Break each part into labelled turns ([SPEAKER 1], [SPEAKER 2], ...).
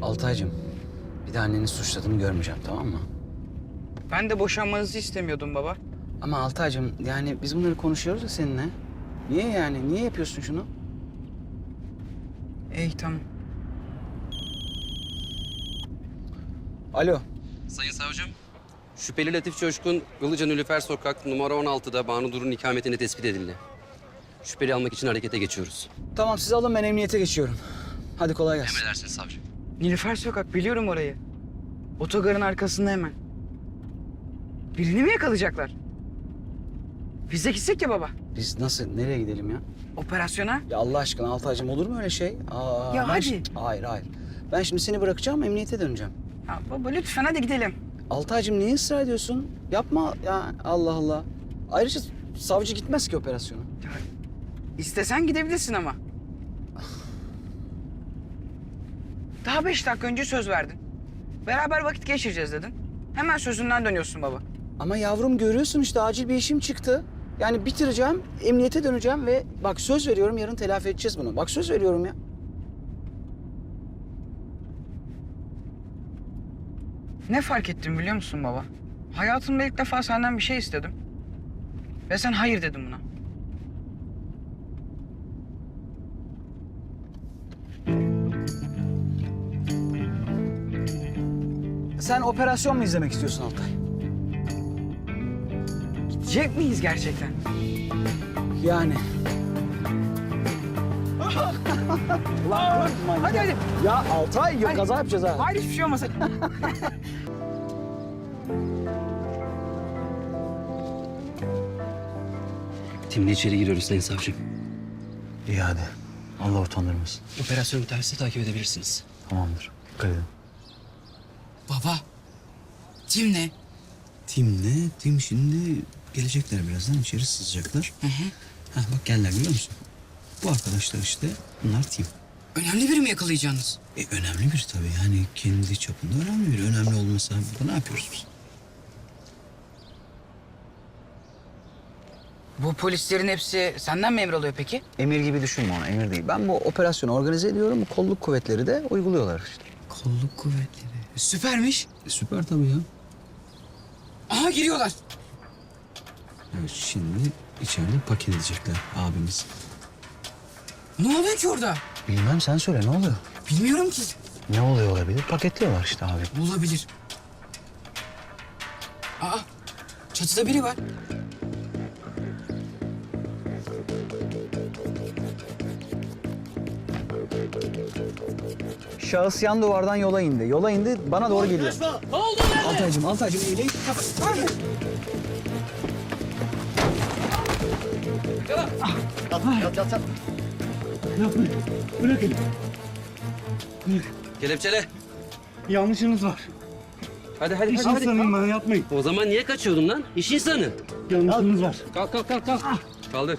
[SPEAKER 1] Altaycığım, bir de anneni suçladığını görmeyeceğim, tamam mı?
[SPEAKER 2] Ben de boşanmanızı istemiyordum baba.
[SPEAKER 1] Ama Altaycığım, yani biz bunları konuşuyoruz ya seninle. Niye yani? Niye yapıyorsun şunu?
[SPEAKER 2] İyi tamam.
[SPEAKER 1] Alo.
[SPEAKER 3] Sayın savcım, şüpheli Latif Coşkun, Ilıca Nilüfer Sokak numara 16'da Banu Dur'un ikametini tespit edildi. Şüpheli almak için harekete geçiyoruz.
[SPEAKER 1] Tamam, siz alın, ben emniyete geçiyorum. Hadi kolay gelsin.
[SPEAKER 3] Emredersiniz savcım.
[SPEAKER 2] Nilüfer Sokak biliyorum orayı. Otogarın arkasında hemen. Birini mi yakalayacaklar? Biz de gitsek ya baba.
[SPEAKER 1] Biz nasıl, nereye gidelim ya?
[SPEAKER 2] Operasyona.
[SPEAKER 1] Ya Allah aşkına Altaycığım, olur mu öyle şey?
[SPEAKER 2] Ya
[SPEAKER 1] ben
[SPEAKER 2] hadi.
[SPEAKER 1] Hayır, hayır. Ben şimdi seni bırakacağım, emniyete döneceğim.
[SPEAKER 2] Ya baba lütfen hadi gidelim.
[SPEAKER 1] Altaycığım, niye ısrar ediyorsun? Yapma ya, Allah Allah. Ayrıca savcı gitmez ki operasyona.
[SPEAKER 2] İstesen gidebilirsin ama. Daha 5 dakika önce söz verdin. Beraber vakit geçireceğiz dedin. Hemen sözünden dönüyorsun baba.
[SPEAKER 1] Ama yavrum, görüyorsun işte, acil bir işim çıktı. Yani bitireceğim, emniyete döneceğim ve bak söz veriyorum, yarın telafi edeceğiz bunu. Bak söz veriyorum ya.
[SPEAKER 2] Ne fark ettim biliyor musun baba? Hayatımda ilk defa senden bir şey istedim. Ve sen hayır dedin buna.
[SPEAKER 1] Sen operasyon mu izlemek istiyorsun Altay?
[SPEAKER 2] Gidecek miyiz gerçekten?
[SPEAKER 1] Yani. Ulan,
[SPEAKER 2] Hadi hadi.
[SPEAKER 1] ya Altay,
[SPEAKER 2] Hadi.
[SPEAKER 1] kaza yapacağız ha.
[SPEAKER 2] Hayır hiçbir şey olmasın.
[SPEAKER 3] Timle içeri giriyoruz sayın savcım.
[SPEAKER 1] İyi hadi. Allah utandırmasın.
[SPEAKER 3] Operasyon biterse takip edebilirsiniz.
[SPEAKER 1] Tamamdır. Dikkat edin.
[SPEAKER 2] Baba. Tim ne?
[SPEAKER 4] Tim ne? Tim şimdi gelecekler birazdan, içeri sızacaklar. Hah bak geldiler, görüyor musun? Bu arkadaşlar işte, bunlar Tim.
[SPEAKER 2] Önemli biri mi yakalayacaksınız?
[SPEAKER 4] Önemli bir tabii, yani kendi çapında önemli bir. Önemli olmasa burada ne yapıyoruz biz?
[SPEAKER 2] Bu polislerin hepsi senden mi emir alıyor peki?
[SPEAKER 1] Emir gibi düşünme onu, emir değil. Ben bu operasyonu organize ediyorum, bu kolluk kuvvetleri de uyguluyorlar işte.
[SPEAKER 4] Kolluk kuvvetleri.
[SPEAKER 2] Süpermiş.
[SPEAKER 4] Süper tabii ya.
[SPEAKER 2] Aha giriyorlar.
[SPEAKER 4] Evet, şimdi içeride paket edecekler abimiz.
[SPEAKER 2] Ne oluyor ki orada?
[SPEAKER 1] Bilmem, sen söyle, ne oluyor?
[SPEAKER 2] Bilmiyorum ki.
[SPEAKER 1] Ne oluyor olabilir? Paketliyorlar işte abi.
[SPEAKER 2] Olabilir. Aa, çatıda biri var.
[SPEAKER 1] Şahıs yan duvardan yola indi. Yola indi, bana doğru geliyor.
[SPEAKER 2] Ne oldu lan?
[SPEAKER 1] Altaycığım eğileyim.
[SPEAKER 3] Kelepçele.
[SPEAKER 5] Yanlışınız var.
[SPEAKER 3] Hadi.
[SPEAKER 5] İş insanıyım ben, yapmayın.
[SPEAKER 3] O zaman niye kaçıyordun lan? İş insanı.
[SPEAKER 5] Yanlışınız var.
[SPEAKER 3] Kalk. Kaldır.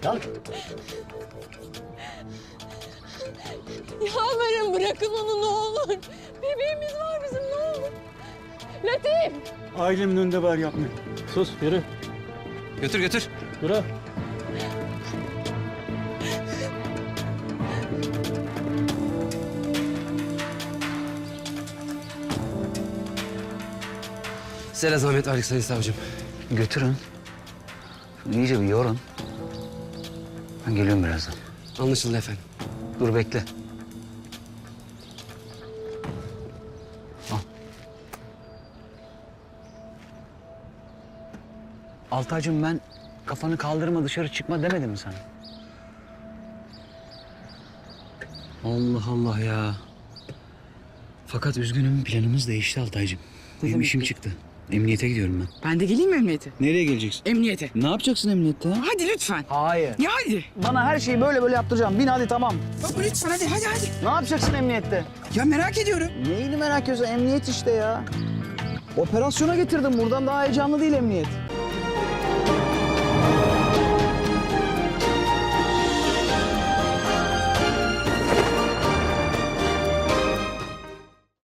[SPEAKER 6] Yalvarırım bırakın onu ne olur. Bebeğimiz var bizim ne olur. Latif!
[SPEAKER 5] Ailemin önünde var, yapmayın.
[SPEAKER 3] Sus, yürü. Götür.
[SPEAKER 5] Bırak.
[SPEAKER 3] Size zahmet alik sayın savcım.
[SPEAKER 1] Götürün. İyice bir yorun. Ben geliyorum birazdan.
[SPEAKER 3] Anlaşıldı efendim.
[SPEAKER 1] Dur bekle. Al. Altaycığım, ben kafanı kaldırma, dışarı çıkma demedim mi sana?
[SPEAKER 4] Allah Allah ya. Fakat üzgünüm, planımız değişti Altaycığım. Benim işim çıktı. Emniyete gidiyorum ben.
[SPEAKER 2] Ben de geleyim mi emniyete?
[SPEAKER 4] Nereye geleceksin?
[SPEAKER 2] Emniyete.
[SPEAKER 4] Ne yapacaksın emniyette ya?
[SPEAKER 2] Hadi lütfen.
[SPEAKER 1] Hayır.
[SPEAKER 2] Ya hadi.
[SPEAKER 1] Bana her şeyi böyle yaptıracağım. Bin hadi, tamam.
[SPEAKER 2] Baba lütfen hadi.
[SPEAKER 1] Ne yapacaksın emniyette?
[SPEAKER 2] Ya merak ediyorum.
[SPEAKER 1] Neyini merak ediyorsun? Emniyet işte ya. Operasyona getirdim. Buradan daha heyecanlı değil emniyet.